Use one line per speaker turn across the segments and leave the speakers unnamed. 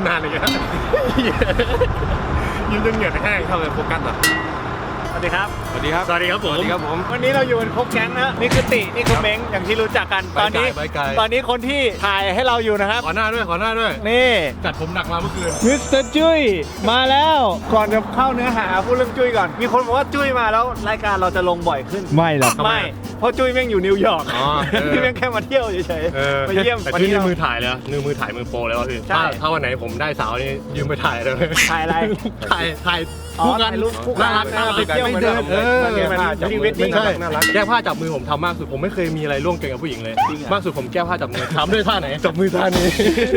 นานเลยนะยืนจนเหงื่อแห้งเข้าไปโฟกัสเหรอ
สวัสดีครับ
สวัสดีครับ
สวัสดีครับผม
สวัสดีครับผม
วันนี้เราอยู่กันครบแก๊งนะนี่คือตินี่คือเม้งอย่างที่รู้จักกันตอนนี้คนที่ถ่ายให้เราอยู่นะครับ
ขอหน้าด้วย
นี่
จัดผมหนักมาเมื่อคืน
มิสเตอร์จุ้ยมาแล้วก่อนจะเข้าเนื้อหาพูดเรื่องจุ้ยก่อนมีคนบอกว่าจุ้ยมาแล้วรายการเราจะลงบ่อยขึ้น
ไม่หรอก
ไม่เพราะจุ้ยแม่งอยู่นิวยอร์กจุ้ยแม่งแค่มาเที่ยวเฉยๆมาเยี่ยม
แต่จุ้ยนี่มือถ่ายเลยมือถ่ายมือโปรแล้วพี่ถ้าวันไหนผมได้สาวนี่ยืมไปถ่ายเลย
ถ่ายอะไร
ถ่ายคู่กัน
น่ารักไปเที่ยวเหมือนเดิม
ชีวิตไม่ใช่แก้ผ้าจับมือผมทำมากสุดผมไม่เคยมีอะไรร่วงเกินกับผู้หญิงเลยมากสุดผมแก้ผ้าจับมือทำด้วยท่าไหนจับมือท่านี้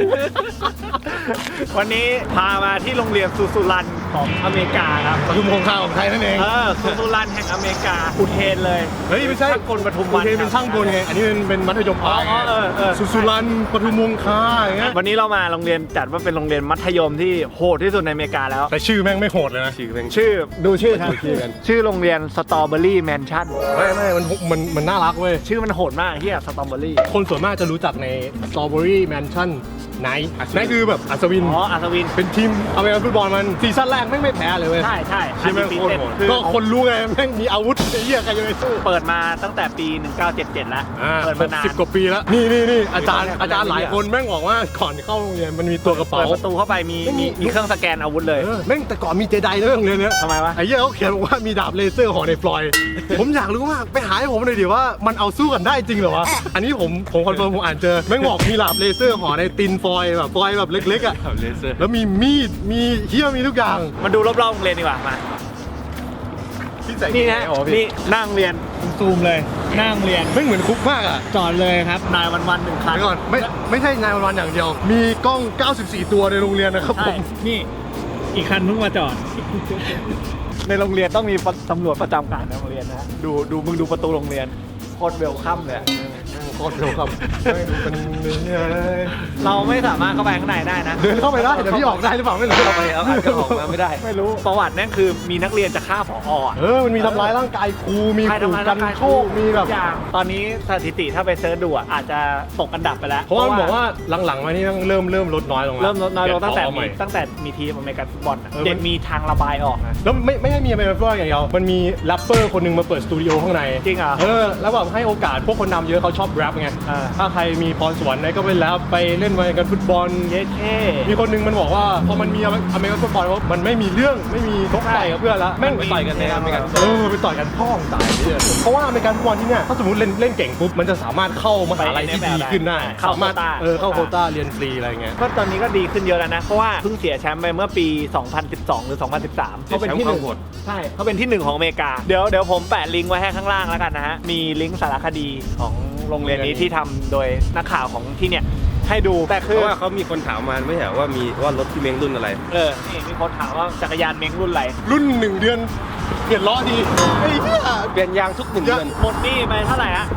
วันนี้พามาที่โรงเรียนซูซูรันของอเมริกาครับ
ปทุมคงคาของไทยนั่นเอง
ซูซูรันแห่งอเมริกาอุเทนเลย
เฮ้ยไม่ใช่
คนปทุมวัน
เป็นช่างกลไงอันนี้เป็นมัธยมปลายซูซูรันปทุมวงคาอย่างเงี้ย
วันนี้เรามาโรงเรียนจัดว่าเป็นโรงเรียนมัธยมที่โหดที่สุดในอเมริกาแล้ว
แต่ชื่อแม่งไม่โหดเลยนะ
ชื่อดูชื่อครับชื่อโรงเรียนสตรอเบอรี่แมนชั่น
ไม่มันน่ารักเว้ย
ชื่อมันโหดมากเฮียสตรอเบอรี่
คนส่วนมากจะรู้จักในสตรอเบอรี่แมนชั่นไนคือแบบอัศวิน
อัศวิน
เป็นทีมอเมริกันฟุตบอลมันซีซั่นแรกไม่แพ้เลยเว้ย
ใช่
ที่แม่งโคตรโหดก็คนรู้ไงแม่งมีอาวุธไอ้เหี้ยใครจะไปสู้
เปิดมาตั้งแต่ปี1977แล้ว
เปิดมานาน10 กว่าปีแล้วนี่อาจารย์หลายคนแม่งบอกว่าก่อนเข้าโรงเรียนมันมีตัวกระเป๋า
เปิดประตูเข้าไปมีเครื่องสแกนอาวุธเลย
แม่งแต่ก่อนมีเจไดด้วยโรงเรียนเนี้ย
ทำไมวะ
ไอ้เหี้ยเขาเขียนบอกว่ามีดาบเลเซอร์ของในฟลอยผมอยากรู้มากไปหาให้ผมหน่อยดิว่ามันเอาสู้กันได้จริงเหรอวะอันนี้ผมคอนเฟิร์มผมอ่านเจอแม่งบอกมีดาบเลเซอร์ของในตินฟอยแบบเล็กๆอ่ะแล้วมีมีดมีเหี้ยมีทุกอย่าง
มาดูรอบๆโรงเรียนดีกว่ามานี่นะนี่นั่งเรียนซูมเลยนั่งเรียน
ไม่เหมือนคุกมากอ่ะ
จอดเลยครับนายวันหนึ่งคัน
ก่อนไม่ใช่นายวันอย่างเดียวมีกล้อง94ตัวในโรงเรียนนะครับผม
นี่อีกคันเพิ่งมาจอดในโรงเรียนต้องมีตำรวจประจำการในโรงเรียนนะดูมึงดูประตูโรงเรียนโคตรเวลคัมเลย
โคตรเวลคัมเป็น
เราไม่สามารถเข้าไปข้างในได้นะ
เดินเข้าไปได้เดี๋ยวพี่ออกได้หรือเปล่าไม่รู้
เข้าไปแล้วอาจจะออกมาไม่ได้ไม่รู้ประวัตินั่นคือมีนักเรียนจะฆ่าผอ.
มันมีทำร้ายร่างกายครูมีขู่กันโชคมีแบบ
อย่างตอนนี้สถิติถ้าไปเซิร์ชดูอาจจะตกอันดับไปแล้ว
เพราะว่าบอกว่าหลังๆมานี่เริ่มลดน้อยลงแล้ว
เริ่มลดน้อยลงตั้งแต่มีทีมอเมริกันฟุตบอลเด็กมีทางระบายออกนะ
แล้วไม่ให้มีอเมริกันฟุตบอลอย่างเดียวมันมีแรปเปอร์คนนึงมาเปิดสตูดิโอข้างใน
จริงเหรอ
แล้วแบบให้โอกาสพวกคนนำเยอะเขาชอบแรปไงถ้าใครมีพรสวรรค์ไหนก็ไปแล้วไปเล่นอเมริกันฟุตบอลมีคนนึงมันบอกว่าพอมันมีอเมริกันฟุตบอลว่ามันไม่มีเรื่องไม่มีทกต่อยกับเพื่อนละแม่งไปต่อยกันในอเมริกันไปต่อยกันพ่องตายเนี่ยเพราะว่าอเมริกันฟุตบอลที่เนี่ยถ้าสมมติเล่นเก่งปุ๊บมันจะสามารถเข้ามหาลัยที่ดีขึ้นได้
เข้าโคว
ต้าเรียนฟรีอะไรเงี้ย
ก็ตอนนี้ก็ดีขึ้นเยอะแล้วนะเพราะว่าเพิ่งเสียแชมป์ไปเมื่อปี2012หรือ2013เขาเป็นที่1ใช่เขาเป็นที่1ของอเมริกาเดี๋ยวผมแปะลิงก์ไว้ให้ข้างล่างแล้วกันนะฮะมีลิงก์สารคดีของโรงเรียนนี้ที่ทำโดยนักข่าวของที่เนี่ยให้ดูแต่คือ
ว่าเขามีคนถามมาไม่ใช่ว่ารถที่เม้งรุ่นอะไร
นี่มีคนถามว่าจักรยานเม้งรุ่นอะไร
รุ่น1 เดือนเปลี่ยนล้อดีไอ้เหี้ย
เปลี่ยนยางทุก1 เดือน
หมดนี่ไปเท่าไหร่ฮะ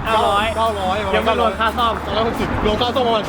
900ยังไม่รวมค่าซ่อม
260รวมค่าซ่อมประมาณ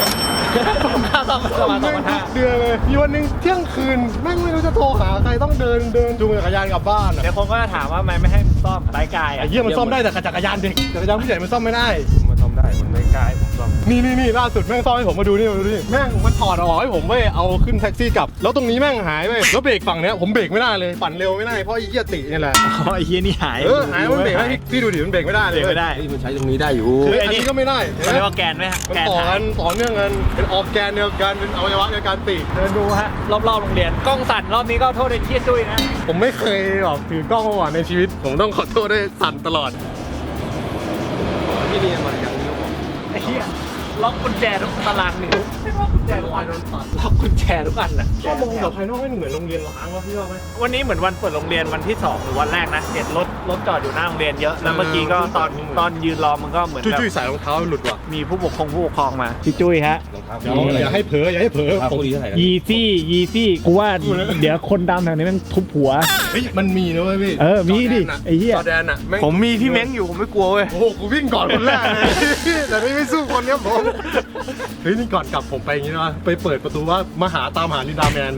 2,500
ค่าซ่อมประมาณ
2,500เดือนเลยมีวันนึงเที่ยงคืนแม่งไม่รู้จะโทรหาใครต้องเดินจูงจักรยานกลับบ้าน
เดี๋ยวคนก็จะถามว่าไม่ให้มันซ่อมไร้กาย
ไอ้เหี้ยมันซ่อมได้แต่จักรยานเด็กจักรยานผู้ใหญ่มันซ่อมไม่ได้
มันซ่อมได้มันไม่กล้าผมซ่อม
นี่ล่าสุดแม่งซ่อมให้ผมมาดูนี่แม่งมันถอดออกให้ผมเว้ยเอาขึ้นแท็กซี่กลับแล้วตรงนี้แม่งหายเว้ยแล้วเบรกฝั่งเนี้ยผมเบรกไม่ได้เลยปั่นเร็วไม่ได้เพราะไอ้เหี้ยตินี่แหละ
ไอ้เหี้ยนี่หาย
มันเบรกไม่พี่ดูดิมันเบรกไม่ได้เลย
ไม่ได้
มันใช้ตรงนี้ได้อยู่
อันนี้ก็ไม่ได้
เรียกว่าแกนไหม
แกนต่อเนื่องกันเป็นออกแกนเดียวกันเป็นอวัยวะในการติ
เดินดูฮะรอบๆโรงเรียนกล้องสั่นรอบนี้ก็โทษไอ้เชี่ยจุ้ยนะ
ผมไม่เคยแบบถือกล้องมาก่อนในชีวิตผมต้องขอโทษด้วยสั่นตลอด
ที่เรียนมาอย่างนี้
ไอ้เหี้ยล็อกกุญแจทุกตารางนิ้วล็อกกุญแจทุกอันล็อกกุญแจทุกอันน่ะ
ก็มองแบบภายนอกไม่เหมือนโรงเรียนล้างวะพี่ว่าไหม
วันนี้เหมือนวันเปิดโรงเรียนวันที่2หรือวันแรกนะเห็นรถจอดอยู่หน้าโรงเรียนเยอะแล้วเมื่อกี้ก็ตอนยืนรอมันก็เหมือน
จุ้ยใส่รองเท้าหลุดว่ะ
มีผู้ปกครองมาพี่จุ้ยฮะ
อย่าให้เผลอ
ยี
ซี่กูว่าเดี๋ยวคนดำแถวนี้มันทุบหัว
เฮ้ยมันมีนะเว้ยพี่
มีดิไอ้เหี้ยผมมีพี่เม้งอยู่ผมไม่กลัวเว้ย
โอ้โหกูวิ่งก่อนคนแรกเลยแต่ไม่สู้คนเนี้ยผมเฮ้ยนี่ก่อนกลับผมไปอย่างนี้นะไปเปิดประตูว่ามาตามหาลินดาแมน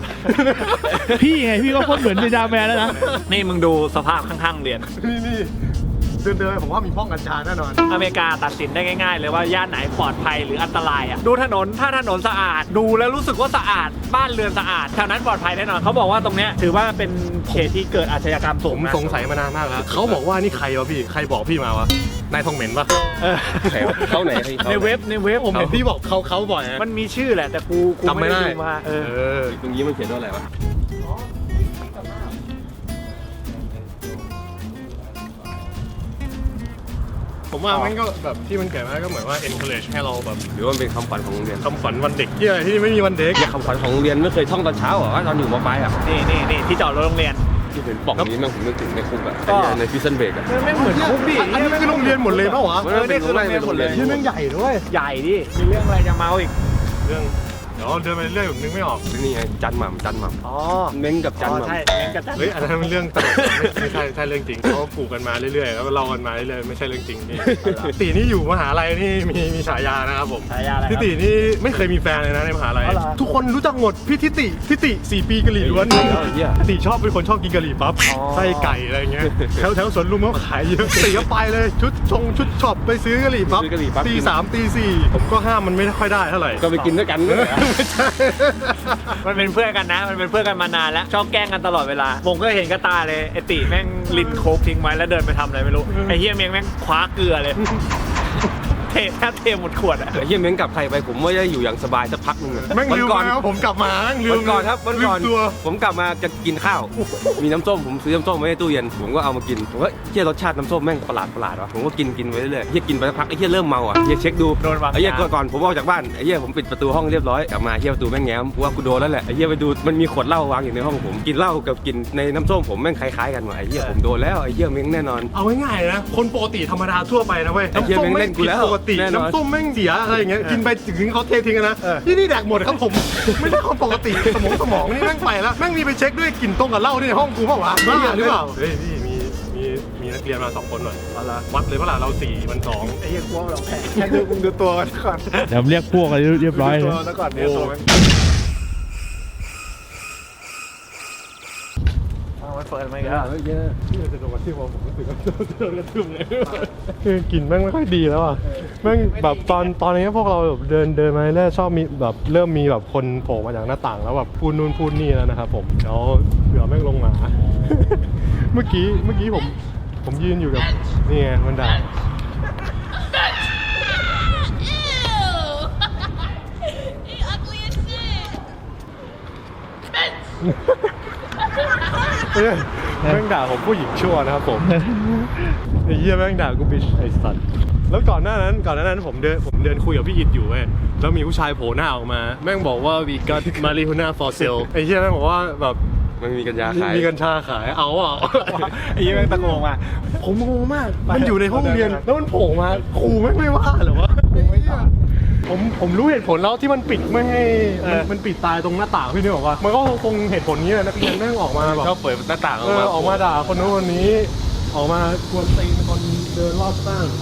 พี่ไงพี่ก็โคตรเหมือนลินดาแมนแล้วนะนี่มึงดูสภาพข้างๆเรียน
นี่เดินผมว่ามีห้องกัญชาแน่นอน
อเมริกาตัดสินได้ง่ายๆเลยว่าย่านไหนปลอดภัยหรืออันตรายอ่ะดูถนนถ้าถนนสะอาดดูแล้วรู้สึกว่าสะอาดบ้านเรือนสะอาดแถวนั้นปลอดภัยแน่นอนเขาบอกว่าตรงเนี้ยถือว่าเป็นเขตที่เกิดอาชญากรรม
ผ
สูง
ม
นะ
สงสัยมานานมากแล้วเขาบอกว่านี่ใครวะพี่ใครบอกพี่มาวะนายทองเหม็นปะ
เออ
เข้าไหน
ในเว็บ
ผมเห็นพี่บอกเขาบ่อยนะ
มันมีชื่อแหละแต่กู
จำไม่ได้
ดูมา
ตรงนี้มันเขียนว่าอะไรวะ
ผมว่ามันก็แบบที่มันเขียนไว้ก็เหมือนว่า encourage ให้เราแบบ
หรือว่ามันเป็นคำขวัญของโรงเรียน
คำขวัญวันเด็กที่อะไรที่ไม่มีวันเด็ก
อย่าคำขวัญของโรงเรียนไม่เคยท่องตอนเช้าเหรอว่าตอนอยู่ม.ปลายอ่ะ
นี่ที่จอดรถโรงเรียน
ที่เป็นปล่องนี้แม่งผมนึกถึงในคุกอ่ะ
ก็
ในพิซซันเบรกอ่ะ
ไม่เหมือนคุกดิ
อันนี้คือโรงเรียนหมดเลยเปล่าวะ
นี่คือโรงเรียนหมดเลย
ที่แม่งใหญ่ด้วย
ใหญ่ดิมีเรื่องอะไรจะเมาอีก
เรื่องเดี๋ยวเดินไปเรื่อยผมนึกไม่ออก
นี่ไงจันหม่ำ
อ๋อ
เม้งกับจันหม่ำ
ใช่เม้งกับจัน
เฮ้ยอันนั้นเป็นเรื่องตลกไม่ใช่เรื่องจริงเขาปลูกกันมาเรื่อยๆแล้วก็เล่ากันมาเรื่อยๆไม่ใช่เรื่องจริงพี่ตีนี่อยู่มหาลัยนี่มีฉายานะครับผม
ฉายาอะไรครับ
ทิตินี่ไม่เคยมีแฟนเลยนะในมหาลัย
อ๋อเหรอ
ทุกคนรู้จักหมดพี่ทิติ4 ปีกะหรี่ล้วน
เหี้ย
ติชอบเป็นคนชอบกินกะหรี่ปั๊บ
อ๋อ
ไส้ไก่อะไรเงี้ยแถวสวนลุมเขาขายเยอะติก็ไปเลยชุดช็อปไปซื้อกะหรี่ปั๊บ
ซื้อกะหรี่ปั๊บ
ตี 3ตี 4ผมก็ห้ามมันไม่ค่อยได้เท่าไหร่
ก็ไปกินด้วยกันด้วย
ไม่ใช่
มันเป็นเพื่อนกันนะ มันเป็นเพื่อนกันมานานแล้วชอบแกล้งกันตลอดเวลาผมก็เห็นกระตาเลยไอติแม่งลินโคกทิ้งไว้แล้วเดินไปทำอะไรไม่รู้ไอเฮียเมียงแม่งคว้าเกลือเลย แทบเทหมดขวดอะ
ไอ้เหี้ยเม้งกลับไทยไปผมว่าจะอยู่อย่างสบายสักพักนึงอะ
แม่งลืม
ก่อน
แล้วผมกลับมาแม่งลืม
วันก่อนครับวันก่อน
ลืมตัว
ผมกลับมาจะกินข้าว มีน้ำส้มผมซื้อน้ำส้มไว้ในตู้เย็นผมก็เอามากินผมว่าเฮียรสชาติน้ำส้มแม่งประหลาดวะผมก็กินไปเรื่อยๆเฮียกินไปสักพักไอ้เฮียเริ่มเมาอ่ะเฮียเช็คดู
โดนวาง
ไอ้เฮีย
ยา
ก่อนผมออกจากบ้านไอ้เฮียผมปิดประตูห้องเรียบร้อยกลับมาเฮียประตูแม่งแง้มว่ากูโดนแล้วแหละไอ้เฮียไปดูมันมีขวดเหล้าวางอยู่ในห้องผมกินเหล้ากับกินในน้ำส้มผมแม่งคล้ายๆกันว่ะไอ้เฮียผมโดนแล้วไอ้เฮียเม้งแน่นอน
เอาง่ายๆนะคนปกติธรรมดาทั่วไปนะเว้ย
ไอ้เหี้ย
น้ำส้ม
แม่งเล่
แม่ง
นกู
กิน
แล้ว
ปกติ
แน่นอน
น้ำส้มแม่งเสียอะไรอย่างเงี้ยกินไปถึงเขาเททิ้งกันนะนี่แดกหมดครับผม ไม่ใช่คนปกติสมองนี่แม่งไปแล้วแม่งมีไปเช็คด้วยกลิ่นตรงกับเหล้าที่ในห้องกูเปล่าวะบ้าหรือเปล่าเฮ้ยพี่มีนักเรียนมา2 คนหน่อยวัดเลยเปล่าเรา4 มัน 2
ไอเฮียกลัวเราแพ้แค่ดูตัวกันก่อน
เดี๋ยวเรียกพวกอะไรเรียบร้อย
ดู
เล
ตัวย แล้วก่อนเนี่ยตัวมันมันเปิดมาอีกแล้ว
ที่จะโดนกระทืบผมรู้สึกว่าโดนกระทืบเลยคือกลิ่นแม่งไม่ค่อยดีแล้วอ่ะแม่งแบบตอนนี้พวกเราแบบเดินมาเรื่อยชอบมีแบบเริ่มมีแบบคนโผล่มาจากหน้าต่างแล้วแบบพูดนู่นพูดนี่แล้วนะครับผมเดี๋ยวเผื่อแม่งลงมา เมื่อกี้ผมยืนอยู่กับนี่ไงมันด่า
You ugly as shit.
แม่งด่าผมผู้หญิงชั่วนะครับผมไอ้เหี้ยแม่งด่ากูบิชไอ้สัตว์แล้วก่อนหน้านั้นผมเดินคุยกับพี่อิดอยู่เว้ยแล้วมีผู้ชายโผล่หน้าออกมาแม่งบอกว่า we got marijuana for sale ไอ้เหี้ยแม่งบอกว่าแบบ
มันมีกัญชาขาย
มีกัญชาขายเอาอ่ะ
ไอ้เฮียแม่งตะโกนมา
ผมงงมากมันอยู่ในห้องเรียนแล้วมันโผล่มาครูแม่งไม่ว่าเหรอวะผมรู้เหตุผลแล้วที่มันปิดไม่ให้มันปิดตายตรงหน้าต่างพี่นึกออกว่ามันก็คงเหตุผลนี้แหละนักเรียนแม่งออกมาแบบ
ก็เปิดหน้าต่างออกมา
ออกมาด่าคนนู้นคนนี้ ออกมากวนตีนคนเดินรอบบ้าน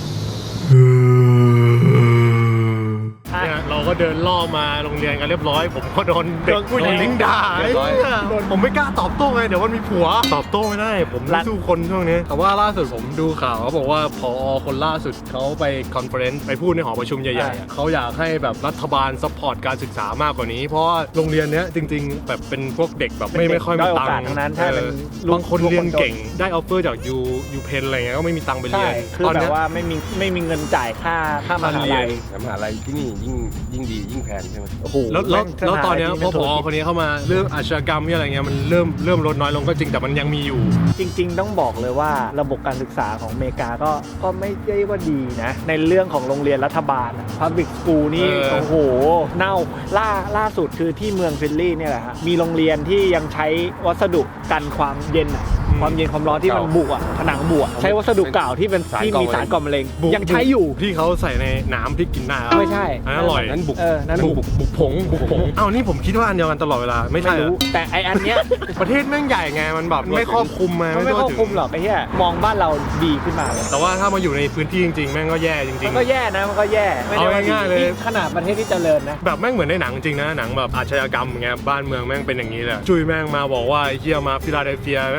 เนี่ยเราก็เดินล่อมาโรงเรียนกันเรียบร้อย ผมก็โดนเด็กผู้หญิงด่าผมไม่กล้าตอบโต้ไงเดี๋ยวมันมีผัวตอบโต้ไม่ได้ ผมไม่สู้คนช่วงนี้แต่ว่าล่าสุดผมดูข่าวเขาบอกว่าผอคนล่าสุดเขาไปคอนเฟอเรนซ์ไปพูดในหอประชุมใหญ่ๆเขาอยากให้แบบรัฐบาลซัพพอร์ตการศึกษามากกว่านี้ เพราะว่าโรงเรียนเนี้ยจริงๆแบบเป็นพวกเด็กแบบไม่ค่อยมีตังค์
ทั้งนั้นใช่เป็น
บางคนเรียนเก่งได้ออฟเฟอร์จากยูเพนอะไรเงี้ยก็ไม่มีตังค์ไปเรี
ใช่
ยน
คือแบบว่าไม่มีเงินจ่ายค่ามหาลัย
แต่มหาลัยที่นี่ยิ่งดียิ่งแพงใช่ไหม
โอ้โห
แล้วตอนเนี้ยพอผอคนนี้เข้ามาเรื่องอาชญากรรมอะไรเงี้ยมันเริ่มลดน้อยลงก็จริงแต่มันยังมีอยู่
จริงๆต้องบอกเลยว่าระบบการศึกษาของอเมริกาก็ไม่ได้ว่าดีนะ ในเรื่องของโรงเรียนรัฐบาล Public School นี่โอ้โหเน่าล่าสุดคือที่เมืองฟิลลี่เนี่ยแหละฮะมีโรงเรียนที่ยังใช้วัสดุกันความเย็นความเย็นความร้อนที่มันบุผนังบุใช้วัสดุเก่าที่เป็นที่มีสารก่อมะเร็งยังใช้อยู่
ที่เขาใส่ในน้ำที่กินได้
ไม่ใช่
อันนั้นอร่อย
นั้นบุก
นั่นบุก
บุกผงอ้าวนี่ผมคิดว่าอันเดียวกันตลอดเวลาไม่ใช่
ไม่รู้แต่ไออันเนี้ย
ประเทศแม่งใหญ่ไงมันแบบไม่ครอบคลุมไง
มันไม่ครอบคลุมหรอกไอ้เหี้ยมองบ้านเราดีขึ้นมาเลย
แต่ว่าถ้ามาอยู่ในพื้นที่จริงๆแม่งก็แย่จริ
มั
ง
นก็แย่นะมันก็แย่ไม่ได้ว่า
เอาง่ายๆเลย
นี่ขนาดประเทศที่เจริญนะ
ๆแบบแม่งเหมือนในหนังจริงนะหนังแบบอาชญากรรมอย่างเงี้ยบ้านเมืองแม่งเป็นอย่างนี้แหละจุยแม่งมาบอกว่าไอ้เหี้ยมาฟิลาเดลเฟียแม่งไม่อยาก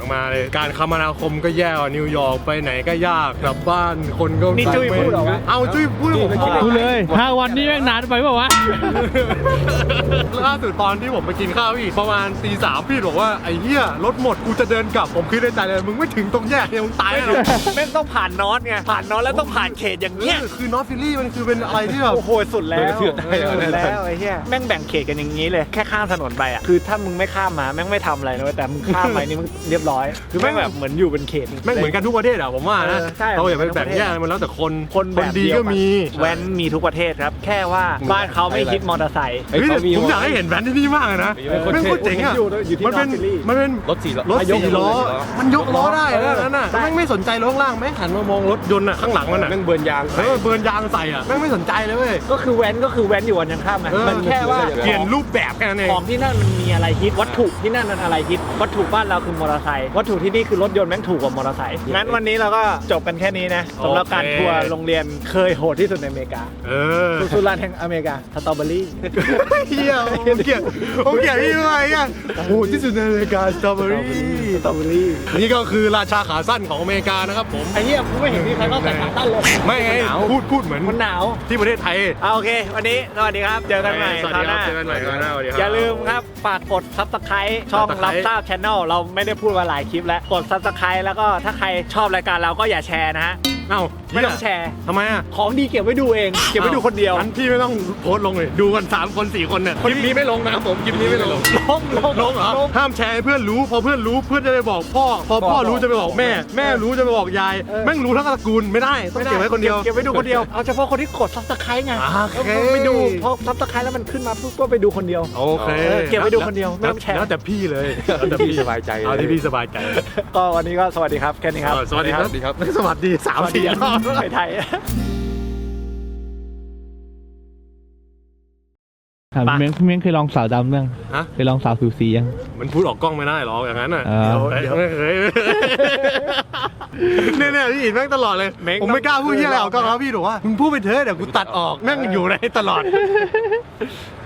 มาเลยการคมนาคมก็แย่กว่านิวยอร์กไปไหนก็ยากกลับบ้านคนก็
นี่จุ้ยพูดเหรอวะ
เอาจุ้ยพูดผม
ดูเลย5 วันนี้แม่งนานไปเปล่าวะ
ล่าสุดตอนที่ผมไปกินข้าวพี่ประมาณตี 3พี่บอกว่าไอ้เหี้ยรถหมดกูจะเดินกลับผมคิดในใจเลยมึงไม่ถึงตรงแยกเนี่ยมึงตายแล้ว
แม่งต้องผ่านนอตไงผ่านนอตแล้วต้องผ่านเขตอย่างเงี้ย
คือนอตฟิลลี่มันคือเป็นอะไรที่แบบ
โอ้โหสุดแล้ว
เชื่อได้เหรอ
สุดแล้วไอ้เหี้ยแม่งแบ่งเขตกันอย่างนี้เลยแค่ข้ามถนนไปอ่ะคือถ้ามึงไม่ข้ามมาแม่งไม่ทำอะไรนะเว้ยแต่มึงข้ามไปนี่มึงเรียบร้อยคือแม่งแบบเหมือนอยู่เป็นเขต
แม่งเหมือนกันทุกประเทศอะผมว่านะ
ใช่
เราอย่าไปแบ่งแยกมันแล้วแต่คน
คนแบบ
ดี
เยว
ก็มี
แว้นมีทุกประเทศครับ แค่ว่าบ้านเขาไม่ฮิตมอเตอร์ไซค์
เฮ้ย
เฮ้ย
เขามี
ผมอยากให้เห็นแบรนด์ที่นี่มากเลยนะ
เออ
แม่งโคตรเจ๋งอะ
อยู่ที่
มันเป็น
North Philly
มันเป็น
รถ4 ล้อ
รถ
ยก
4 ล้อ มันยกล้อได้
เออ
นั่นน่ะ
ใช่
แม่งไม่สนใจรถข้างล่างแม่งหันมามองรถยนต์อะข้างหลังมันอะ
แม่งเบิร์นยาง
เออเบิร์นยางใส่อะแม่งไม่สนใจเลยเว้ย
ก็คือแว้นอยู่วันยังข้ามไหม
เออ
มันแค่ว่า
เปลี่ยนรูปแบบแค่นั้นเอง
ของที่นั่นมันมีอะไรฮิตวัตถุที่นั่นมันอะไรฮิตวัตถุบ้านเราคือมอเตอร์ไซค์วัตถุที่นี่คือรถยนต์แม่งถูกกว่ามอเตอร์ไซค์งั้นวันนี้เราก็จบกันแค่นี้นะสำหรับการทัวร์โรงเรียนเคยโหดที่สุดในอเมริกา
เออ
สุรานแห่งอเมริกาสตรอเบอรี่
เฮียผมเกลียดพี่มากอ่ะโอ้โหที่สุดในอเมริกาสตรอเบอรี่
สตรอเบอรี่
นี่ก็คือราชาขาสั้นของอเมริกานะครับผม
ไอ้เหี้ยกูไม่เห็นมีใครเข้าใส่ขาตั้นเลย
ไม่ไงพูดเหมือน
มันหนาว
ที่ประเทศไทย
เอาโอเค วันนี้สวัสดีครับ เจอกันใหม่
สวัส
ค
ดี
ราว
ค
ห
รับ
น้า
เจอกันใหม่คราวหน้าสวัสดีครับ
อย่าลืมครับ ฝากกด Subscribe ช่อง
Subscribe
รับทราบ Channel เราไม่ได้พูดมาหลายคลิปแล้ว กด Subscribe แล้วก็ถ้าใครชอบรายการเราก็อย่าแชร์นะฮะ
เอ้า
ไม่ต้องแชร์
ทำไมอ่ะ
ของดีเก็บไว้ดูเอง เก็บไว้ดูคนเดียว
งั้นพี่ไม่ต้องโพสต์ลงเลยดูกัน3 คน 4 คนเนี่ยคลิปนี้ไม่ลงนะครับผมคลิปนี้ไม่ลง ลงเหรอห้ามแชร์ให้เพื่อนรู้พอเพื่อนรู้เพื่อนจะไปบอกพ่อพอพ่อรู้จะไปบอกแม่ แม่รู้จะไปบอกยายแม่งรู้ทั้งตระกูลไม่ได้ต้องเก็บไว้คนเดียว
เก็บไว้ดูคนเดียว เอาเฉพาะคนที่กด Subscribe ไง
โอเค
ไปดูพอ Subscribe แล้วมันขึ้นมาปุ๊บก็ไปดูคนเดียว
โอเค
เก็บไว้ดูคนเดียวไม่ต้องแชร์
แล้วแต่พี่เลยแล้วแต่
พี่สบายใจเลย
เอาที่พี่สบายใจ
ก็วันนี้ก็สวัสดีครับแค่นี้ครับ
สวัสดีครับ
สวัสดีครับ
สวัสดี3-4 รอบ
ไทย
ถามพี่เม้งเคยลองสาวดำยัง
ฮะ
เคยลองสาวผิวสียัง
มันพูดออกกล้องไม่ได้หรอกอย่างนั้นอ่ะ
เดี๋ยว
ไม่เคยเนี่ยพี่อินแม่งตลอดเลย ผมไม่กล้าพูดที่อะไรออกกล้องแล้วพี่บอกว่ามึงพูดไปเถอะเดี๋ยวกูตัดออกแม่งอยู่ในตลอด